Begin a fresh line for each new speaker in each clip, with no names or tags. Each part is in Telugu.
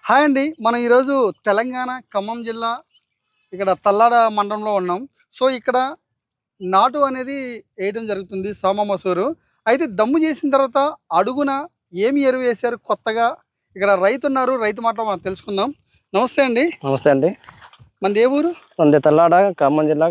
హాయ్ అండి. మనం ఈరోజు తెలంగాణ ఖమ్మం జిల్లా ఇక్కడ తల్లాడ మండలంలో ఉన్నాం. సో ఇక్కడ నాటు అనేది వేయడం జరుగుతుంది సోమ మసూరు. అయితే దమ్ము చేసిన తర్వాత అడుగున ఏమి ఎరువు వేశారు కొత్తగా? ఇక్కడ రైతు ఉన్నారు, రైతు మాటలో మనం తెలుసుకుందాం. నమస్తే అండి.
నమస్తే అండి.
మనది ఏ ఊరు?
మనది తల్లాడ, ఖమ్మం జిల్లా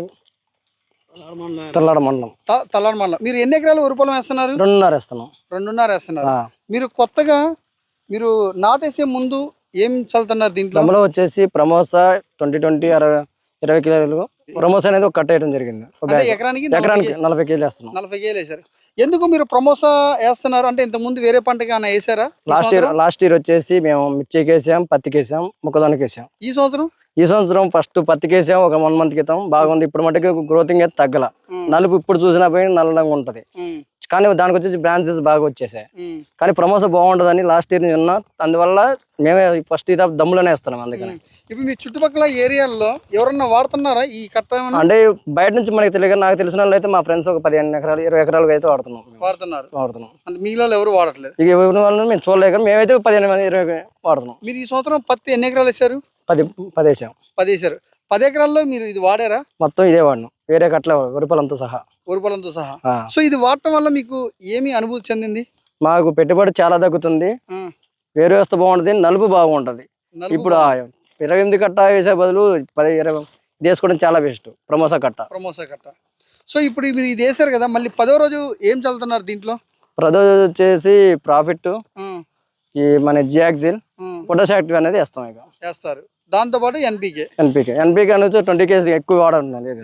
తల్లాడ మండలం.
తల్లాడ మండలం. మీరు ఎన్ని ఎకరాలు వరి పొలం వేస్తున్నారు?
2.5 వేస్తున్నాం.
2.5 వేస్తున్నారు. మీరు కొత్తగా మీరు నాటేసే ముందు ఏం చల్లుతున్నారు దీంట్లో?
దమ్ములో వచ్చేసి ప్రమోసా 2020 20 కిలోలు ప్రమోసా అనేది ఒక కట్ట వేయడం జరిగింది.
ఎకరానికి
40 కేజీలు వేస్తున్నాం.
40 కేజీలు వేసారు. ఎందుకు మీరు ప్రమోసా వేస్తున్నారు? అంటే ఇంత ముందు వేరే పంటకి ఏమైనా వేసారా?
లాస్ట్ ఇయర్ వచ్చేసి మేము మిర్చికి వేసాం, పత్తికి వేసాం, మొక్కజొన్నకి వేసాం. ఈ సంవత్సరం ఫస్ట్ పత్తికి వేసాం ఒక 1 మంత్ క్రితం. బాగుంది. ఇప్పుడు మటుకు గ్రోతింగ్ అయితే తగ్గల. నలుపు ఇప్పుడు చూసినా పోయి నల్లగా ఉంటది, కానీ దానికి వచ్చేసి బ్రాంచెస్ బాగా వచ్చేసాయి. కానీ ప్రమోసా బాగుంటుందని లాస్ట్ ఇయర్ ఉన్నా, అందువల్ల మేమే ఫస్ట్ ఇది దమ్ములోనే వేస్తున్నాం. అందుకని
ఇప్పుడు మీ చుట్టుపక్కల ఏరియాల్లో ఎవరన్నా వాడుతున్నారా ఈ కట్ట?
అంటే బయట నుంచి మనకి తెలియదు. నాకు తెలిసిన వాళ్ళు అయితే మా ఫ్రెండ్స్ ఒక 15 ఎకరాలు 20 ఎకరాలు అయితే వాడుతున్నాం.
అంటే మీలో ఎవరు వాడట్లేదు?
ఇక ఎవరి వాళ్ళని మేము చూడలేక మేమైతే 15 20 వాడుతున్నాం.
మీరు ఈ సంవత్సరం పత్తి ఎన్ని ఎకరాలు వేసారు?
10 వేసాం.
10 వేసారు. 10 ఎకరాల్లో మీరు ఇది వాడారా?
మొత్తం ఇదే వాడినాం, వేరే కట్ల వరిపొలంతో సహా.
సో ఇది వాడటం వల్ల మీకు ఏమి అనుభూతి చెందింది?
మాకు పెట్టుబడి చాలా తగ్గుతుంది, వేరు వ్యవస్థ బాగుంటుంది, నలుపు బాగుంటది. ఇప్పుడు 28 కట్ట వేసే బదులు 10 20 వేసుకోవడం చాలా బెస్ట్. ప్రమోసా కట్ట.
సో ఇప్పుడు మీరు ఇది వేసారు కదా, మళ్ళీ 10వ రోజు ఏం చల్లుతున్నారు దీంట్లో?
ప్రదోజు వచ్చేసి ప్రాఫిట్, ఈ మన జియాక్సిల్, పొటాష్ యాక్టివ్ అనేది
వేస్తారు. దాంతో పాటు ఎన్పికే
అనేది 20 కేజీ ఎక్కువ వాడరు.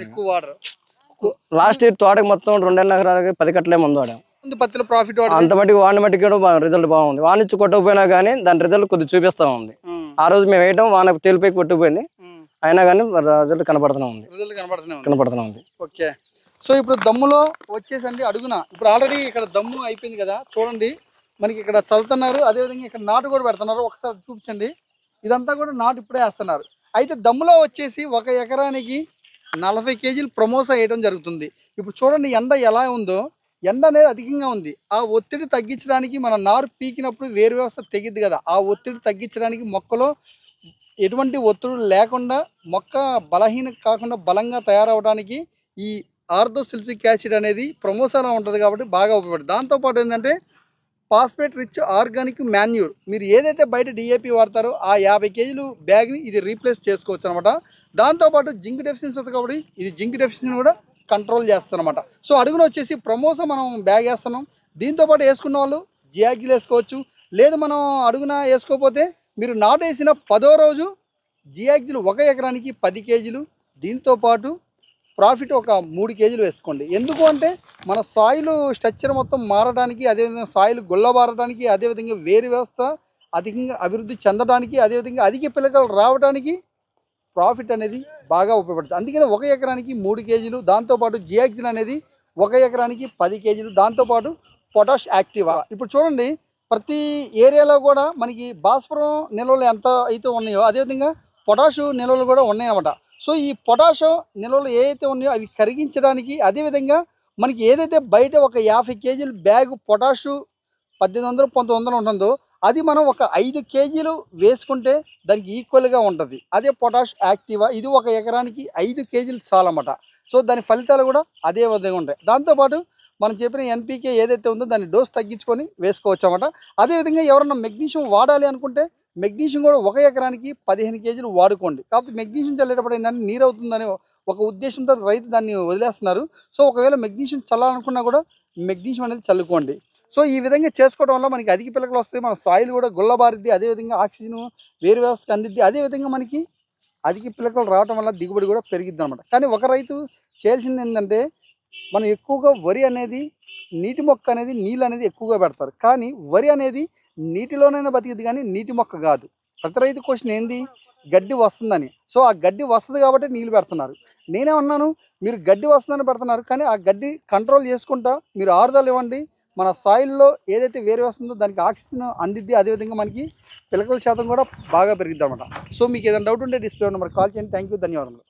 లాస్ట్ ఇయర్ తోటకి మొత్తం 2.5 ఎకరాలకి 10 కట్టలే ముందు వాడాం.
పత్తిలో ప్రాఫిట్
అంత మట్టికి వాడిన మట్టికి రిజల్ట్ బాగుంది. వానిచ్చి కొట్టకపోయినా కానీ దాని రిజల్ట్ కొద్దిగా చూపిస్తా ఉంది. ఆ రోజు మేము వేయటం వాన తేలిపోయి కొట్టుకుపోయింది, అయినా కానీ రిజల్ట్ కనపడుతూనే ఉంది.
ఓకే. సో ఇప్పుడు దమ్ములో వచ్చేసండి అడుగున ఇప్పుడు ఆల్రెడీ ఇక్కడ దమ్ము అయిపోయింది కదా, చూడండి మనకి ఇక్కడ చల్లుతున్నారు. అదేవిధంగా ఇక్కడ నాటు కూడా పెడుతున్నారు. ఒకసారి చూపించండి. ఇదంతా కూడా నాటు ఇప్పుడే వేస్తున్నారు. అయితే దమ్ములో వచ్చేసి 1 ఎకరానికి 40 కేజీలు ప్రమోసా వేయడం జరుగుతుంది. ఇప్పుడు చూడండి ఎండ ఎలా ఉందో, ఎండ అనేది అధికంగా ఉంది. ఆ ఒత్తిడి తగ్గించడానికి మన నారు పీకినప్పుడు వేరు వ్యవస్థ తెగిద్ది కదా, ఆ ఒత్తిడి తగ్గించడానికి మొక్కలో ఎటువంటి ఒత్తిడి లేకుండా మొక్క బలహీన కాకుండా బలంగా తయారవడానికి ఈ ఆర్థోసిల్సిక్ యాసిడ్ అనేది ప్రమోసాలో ఉంటుంది కాబట్టి బాగా ఉపయోగపడుతుంది. దాంతోపాటు ఏంటంటే ఫాస్ఫేట్ రిచ్ ఆర్గానిక్ మాన్యూర్, మీరు ఏదైతే బయట డిఏపి వాడతారో ఆ 50 కేజీలు బ్యాగ్ని ఇది రీప్లేస్ చేసుకోవచ్చు అనమాట. దాంతోపాటు జింక్ డెఫిషియన్సీ ఉంది కాబట్టి ఇది జింక్ డెఫిషియన్సీ కూడా కంట్రోల్ చేస్తుంది అనమాట. సో అడుగున వచ్చేసి ప్రమోసా మనం బ్యాగ్ వేస్తున్నాం. దీంతోపాటు వేసుకున్న వాళ్ళు జియాగిల్ వేసుకోవచ్చు. లేదు మనం అడుగున వేసుకోకపోతే మీరు నాటేసిన 10వ రోజు జియాగిల్ 1 ఎకరానికి 10 కేజీలు, దీంతోపాటు ప్రాఫిట్ ఒక 3 కేజీలు వేసుకోండి. ఎందుకు అంటే మన సాయిల్ స్ట్రక్చర్ మొత్తం మారడానికి, అదేవిధంగా సాయిల్ గుల్లబారడానికి, అదేవిధంగా వేరు వ్యవస్థ అధికంగా అభివృద్ధి చెందడానికి, అదేవిధంగా అధిక పిల్లకలు రావడానికి ప్రాఫిట్ అనేది బాగా ఉపయోగపడుతుంది. అందుకని 1 ఎకరానికి 3 కేజీలు, దాంతోపాటు జియాక్సిన్ అనేది 1 ఎకరానికి 10 కేజీలు, దాంతోపాటు పొటాష్ యాక్టివా. ఇప్పుడు చూడండి ప్రతి ఏరియాలో కూడా మనకి భాస్వరం నిల్వలు ఎంత అయితే ఉన్నాయో అదేవిధంగా పొటాషు నిల్వలు కూడా ఉన్నాయన్నమాట. సో ఈ పొటాషు నిల్వలు ఏవైతే ఉన్నాయో అవి కరిగించడానికి, అదేవిధంగా మనకి ఏదైతే బయట ఒక 50 కేజీల బ్యాగు పొటాషు 1800 1900 ఉంటుందో అది మనం ఒక 5 కేజీలు వేసుకుంటే దానికి ఈక్వల్గా ఉంటుంది. అదే పొటాష్ యాక్టివా, ఇది 1 ఎకరానికి 5 కేజీలు చాలన్నమాట. సో దాని ఫలితాలు కూడా అదే విధంగా ఉంటాయి. దాంతోపాటు మనం చెప్పిన ఎన్పికే ఏదైతే ఉందో దాన్ని డోస్ తగ్గించుకొని వేసుకోవచ్చు అన్నమాట. అదేవిధంగా ఎవరన్నా మెగ్నీషియం వాడాలి అనుకుంటే మెగ్నీషియం కూడా 1 ఎకరానికి 15 కేజీలు వాడుకోండి. కాకపోతే మెగ్నీషియం చల్లేటప్పుడు ఏంటంటే నీరు అవుతుందని ఒక ఉద్దేశంతో రైతు దాన్ని వదిలేస్తున్నారు. సో ఒకవేళ మెగ్నీషియం చల్లాలనుకున్నా కూడా మెగ్నీషియం అనేది చల్లుకోండి. సో ఈ విధంగా చేసుకోవడం వల్ల మనకి అధిక పిల్లకలు వస్తాయి, మన సాయిల్ కూడా గుల్లబారిద్ది, అదేవిధంగా ఆక్సిజన్ వేరు వ్యవస్థకు అందిద్ది, అదేవిధంగా మనకి అధిక పిల్లకలు రావడం వల్ల దిగుబడి కూడా పెరిగిద్ది అనమాట. కానీ ఒక రైతు చేయాల్సింది ఏంటంటే మనం ఎక్కువగా వరి అనేది నీటి మొక్క అనేది నీళ్ళు అనేది ఎక్కువగా పెడతారు, కానీ వరి అనేది నీటిలోనైనా బతికిద్ది కానీ నీటి మొక్క కాదు. ప్రతి రైతు క్వశ్చన్ ఏంది, గడ్డి వస్తుందని. సో ఆ గడ్డి వస్తుంది కాబట్టి నీళ్ళు పెడుతున్నారు. నేనేమన్నాను, మీరు గడ్డి వస్తుందని పెడుతున్నారు, కానీ ఆ గడ్డి కంట్రోల్ చేసుకుంటా మీరు ఆరుదలు ఇవ్వండి. మన సాయిల్లో ఏదైతే వేరే వస్తుందో దానికి ఆక్సిజన్ అందిద్ది, అదేవిధంగా మనకి పిలకల శాతం కూడా బాగా పెరిగిద్ది అనమాట. సో మీకు ఏదైనా డౌట్ ఉంటే డిస్ప్లే నెంబర్ కాల్ చేయండి. థ్యాంక్ యూ, ధన్యవాదాలు.